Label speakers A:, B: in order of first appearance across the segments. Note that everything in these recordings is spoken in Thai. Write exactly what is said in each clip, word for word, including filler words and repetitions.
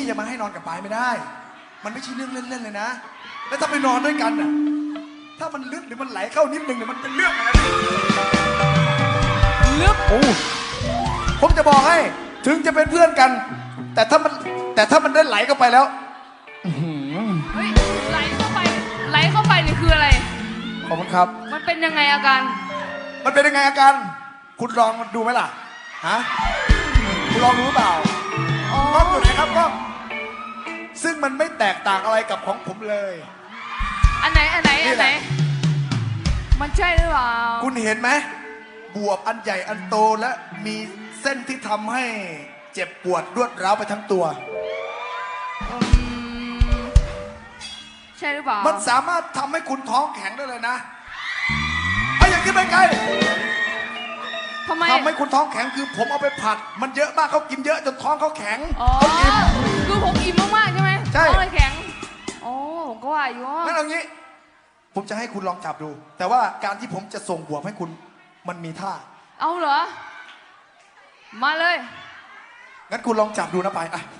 A: จะมาให้นอนกับปายไม่ได้มันไม่ใช่เรื่องเล่นๆเลยนะแล้วถ้าไปนอนด้วยกันน่ะถ้ามันลึกหรือมันไหลเข้านิดนึงเนี่ยมันเป็นเรื่องอะไรลึกโอ้ผมจะบอกให้ถึงจะเป็นเพื่อนกันแต่ถ้ามันแต่ถ้ามันได้ไหลเข้าไปแล้ว
B: เฮ้ยไหลเข้าไปไหลเข้าไปนี่คืออะไร
A: ขอบคุณครับ
B: มันเป็นยังไงอาการ
A: มันเป็นยังไงอาการคุณลองดูไหมล่ะฮะคุณลองดูหรือเปล่าก็อยู่ไหนครับก็ซึ่งมันไม่แตกต่างอะไรกับของผมเลย
B: อันไหนอันไหนอันไหนมันใช่หรือเปล่า
A: คุณเห็นไหมบวบอันใหญ่อันโตและมีเส้นที่ทำให้เจ็บปวดรวดร้าวไปทั้งตัว
B: ใช่หรือเปล่า
A: มันสามารถทำให้คุณท้องแข็งได้เลยนะไอ้อย่างขึ้นไปไกล
B: ทำไม
A: ทำให้คุณท้องแข็งคือผมเอาไปผัดมันเยอะมากเขากินเยอะจนท้องเขาแข็ง
B: อ๋อคือผมอิ่มมากๆใช่ไหม
A: ใช่
B: ท้องเลยแข็งโอ้ผมก็ว่าอยู่
A: งั้นเอางี้ผมจะให้คุณลองจับดูแต่ว่าการที่ผมจะส่งบวบให้คุณมันมีท่า
B: เอาเหรอมาเลย
A: งั้นคุณลองจับดูนะไปอ่ะ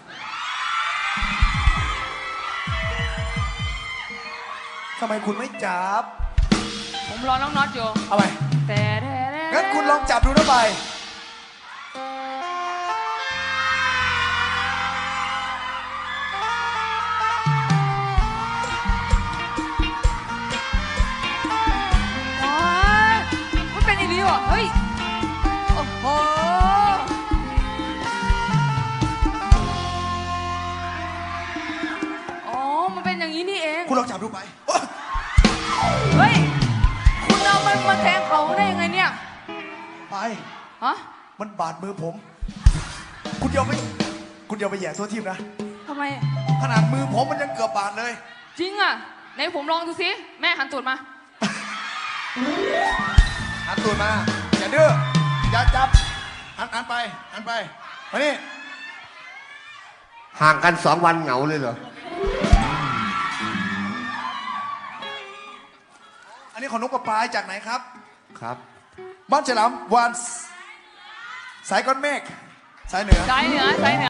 A: ทำไมคุณไม่จับ
B: ผมรอน้องน็อตอยู่
A: เอาไป
B: แต่
A: งั้นคุณลองจับดูนะไป
B: มันเป็นอีลีวะเฮ้ยโอ้โหอ๋อมันเป็นอย่างนี้นี่เอง
A: คุณลองจับดูไป
B: เฮ้ยคุณเอามันมาแทงเขาได้ยังไงเนี่ย
A: ไป
B: ฮะ
A: มันบาดมือผมคุณเดียวไปคุณเดียวไปแย่ตัวทีมนะ
B: ทำไม
A: ขนาดมือผมมันยังเกือบบาดเลย
B: จริงอ่ะไหนผมลองดูสิแม่หันตูดมา
A: หันตูดมาอย่าดื้ออย่าจับหันหันไปหันไปมานี่
C: ห่างกันสองวันเหงาเลยเหรอ
A: อันนี้ของนกกระปายจากไหนครับ
C: ครับ
A: บ้านฉลามวานสายก้อนเมฆสายเหนือ
B: สายเหนือสายเหนือ